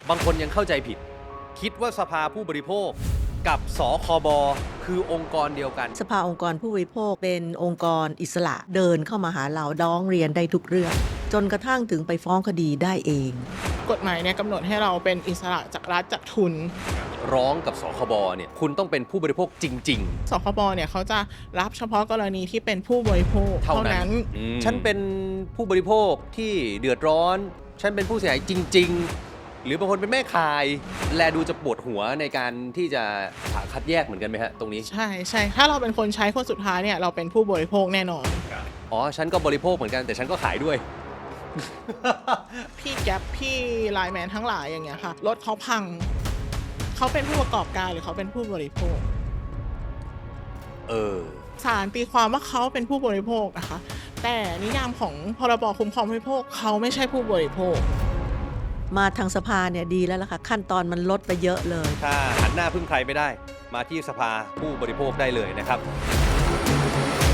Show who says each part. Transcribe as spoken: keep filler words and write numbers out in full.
Speaker 1: บางคนยังเข้าใจผิด คิดว่าสภาผู้บริโภคกับสคบคือองค์กรเดียวกัน
Speaker 2: สภาองค์กรผู้บริโภคเป็นองค์กรอิสระเดินเข้ามาหาเราร้องเรียนได้ทุกเรื่อง จนกระทั่งถึงไปฟ้องคดีได้เอง
Speaker 3: กฎหมายเนี่ยกำหนดให้เราเป็นอิสระจากรัฐจากทุน
Speaker 1: ร้องกับสคบเนี่ยคุณต้องเป็นผู้บริโภคจริง
Speaker 3: สคบเนี่ยเขาจะรับเฉพาะกรณีที่เป็นผู้บริโภค
Speaker 1: ๆ เท่านั้นอืมฉันเป็นผู้บริโภคที่เดือดร้อน ฉันเป็นผู้เสียหายจริง ๆ หรือบางคนเป็นแม่ขาย แลดูจะปวดหัวในการที่จะหาคัดแยกเหมือนกันไหมฮะตรงนี้
Speaker 3: ใช่ใช่ถ้าเราเป็นคนใช้คนสุดท้ายเนี่ยเราเป็นผู้บริโภคแน่นอน
Speaker 1: อ๋อ ฉันก็บริโภคเหมือนกันแต่ฉันก็ขายด้วย
Speaker 3: พี่แก๊ปพี่ไลน์แมนทั้งหลายอย่างเงี้ยค่ะรถเขาพังเขาเป็นผู้ประกอบการหรือเขาเป็นผู้บริโภค
Speaker 1: เออ
Speaker 3: ศาลตีความว่าเขาเป็นผู้บริโภคนะคะ แต่นิยามของพรบคุ้มครองผู้บริโภคเขาไม่ใช่ผู้บริโภค
Speaker 2: มาทางสภาเนี่ยดีแล้วล่ะค่ะขั้นตอนมันลดไปเยอะเลย
Speaker 1: ถ้าหันหน้าพึ่งใครไม่ได้ มาที่สภาผู้บริโภคได้เลยนะครับ